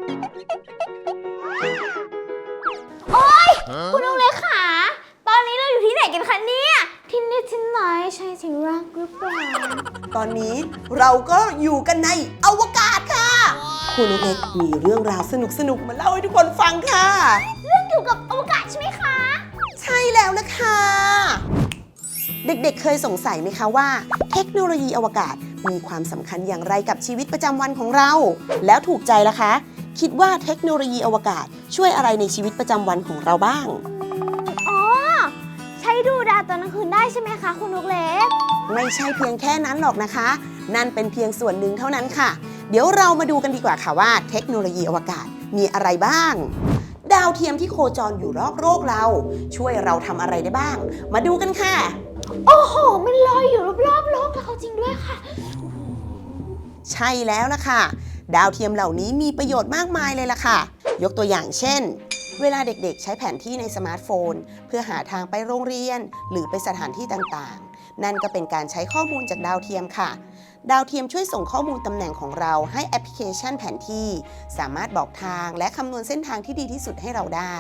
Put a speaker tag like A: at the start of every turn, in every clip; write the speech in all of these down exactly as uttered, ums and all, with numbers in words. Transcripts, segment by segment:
A: โอ๊ยคุณลุงเล็กขาตอนนี้เราอยู่ที่ไหนกันคะเนี่ยที่นี่ที่ไหนใช่ที่รักหรือเปล่า
B: ตอนนี้เราก็อยู่กันในอวกาศค่ะ คุณนุ๊กเล็กมีเรื่องราวสนุกๆมาเล่าให้ทุกคนฟังค่ะ
A: เรื่องเกี่ยวกับอวกาศใช่ไหมคะ
B: ใช่แล้วนะคะ เด็กๆเเคยสงสัยไหมคะว่าเทคโนโลยีอวกาศมีความสำคัญอย่างไรกับชีวิตประจำวันของเรา แล้วถูกใจล่ะคะ คิดว่าเทคโนโลยีอวกาศช่วยอะไรในชีวิตประจำวันของเราบ้าง
A: อ๋อใช้ดูดาวตอนกลางคืนได้ใช่ไหมคะคุณนุ๊กเล็ก
B: ไม่ใช่เพียงแค่นั้นหรอกนะคะนั่นเป็นเพียงส่วนหนึ่งเท่านั้นค่ะเดี๋ยวเรามาดูกันดีกว่าค่ะว่าเทคโนโลยีอวกาศมีอะไรบ้างดาวเทียมที่โคจรอยู่รอบโลกเราช่วยเราทำอะไรได้บ้างมาดูกันค่ะ
A: โอ้โหมันลอยอยู่รอบๆโลกแล้วจริงด้วยค่ะ
B: ใช่แล้วล่ะค่ะดาวเทียมเหล่านี้มีประโยชน์มากมายเลยล่ะค่ะยกตัวอย่างเช่นเวลาเด็กๆใช้แผนที่ในสมาร์ทโฟนเพื่อหาทางไปโรงเรียนหรือไปสถานที่ต่างๆนั่นก็เป็นการใช้ข้อมูลจากดาวเทียมค่ะดาวเทียมช่วยส่งข้อมูลตำแหน่งของเราให้แอปพลิเคชันแผนที่สามารถบอกทางและคำนวณเส้นทางที่ดีที่สุดให้เราได้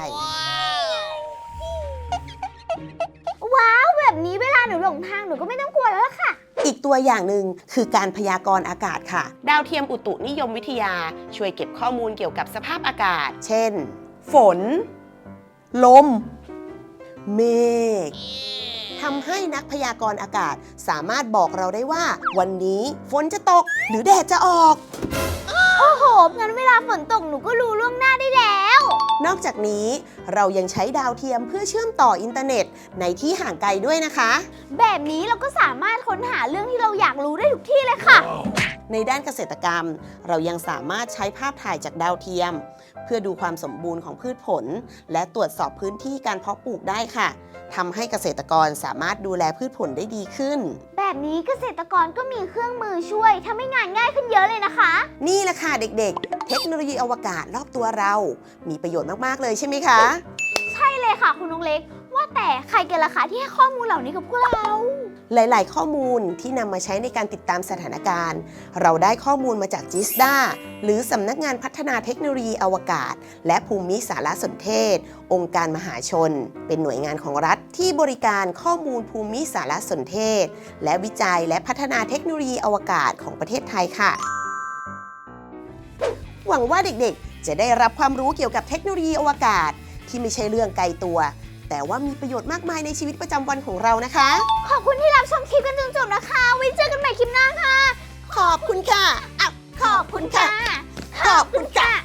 A: ว้าวแบบนี้เวลาหนูหลงทางหนูก็ไม่ต้องกลัวแล้วล่ะค่ะ
B: อีกตัวอย่างหนึ่งคือการพยากรณ์อากาศค่ะดาวเทียมอุตุนิยมวิทยาช่วยเก็บข้อมูลเกี่ยวกับสภาพอากาศเช่นฝนลมเมฆทำให้นักพยากรณ์อากาศสามารถบอกเราได้ว่าวันนี้ฝนจะตกหรือแดดจะออก
A: โอ้โหงั้นเวลาฝนตกหนูก็รู้ล่วงหน้าได้แล้ว
B: นอกจากนี้เรายังใช้ดาวเทียมเพื่อเชื่อมต่ออินเทอร์เน็ตในที่ห่างไกลด้วยนะคะ
A: แบบนี้เราก็สามารถค้นหาเรื่องที่เราอยากรู้ได้ทุกที่เลยค่ะ
B: ในด้านเกษตรกรรมเรายังสามารถใช้ภาพถ่ายจากดาวเทียมเพื่อดูความสมบูรณ์ของพืชผลและตรวจสอบพื้นที่การเพาะปลูกได้ค่ะทำให้เกษตรกรสามารถดูแลพืชผลได้ดีขึ้น
A: แบบนี้เกษตรกรก็มีเครื่องมือช่วยทำให้งานง่ายขึ้นเยอะเลยนะคะ
B: นี่แหละค่ะเด็กๆเทคโนโลยีอวกาศรอบตัวเรามีประโยชน์มากๆเลยใช่ไหมคะ
A: ใช่เลยค่ะคุณนุ๊กเล็กว่าแต่ใครกันล่ะคะที่ให้ข้อมูลเหล่านี้กับพวกเรา
B: หลายๆ ข้อมูลที่นำมาใช้ในการติดตามสถานการณ์เราได้ข้อมูลมาจากจิสดาหรือสำนักงานพัฒนาเทคโนโลยีอวกาศและภูมิสารสนเทศองค์การมหาชนเป็นหน่วยงานของรัฐที่บริการข้อมูลภูมิสารสนเทศและวิจัยและพัฒนาเทคโนโลยีอวกาศของประเทศไทยค่ะหวังว่าเด็กๆจะได้รับความรู้เกี่ยวกับเทคโนโลยีอวกาศที่ไม่ใช่เรื่องไกลตัวแต่ว่ามีประโยชน์มากมายในชีวิตประจำวันของเรานะคะ
A: ขอบคุณที่รับชมคลิปกันจนจบนะคะไว้เจอกันใหม่คลิปหน้าค่ะ
B: ขอบคุณค่ะ
A: ขอบคุณค่ะ
B: ขอบคุณค่ะ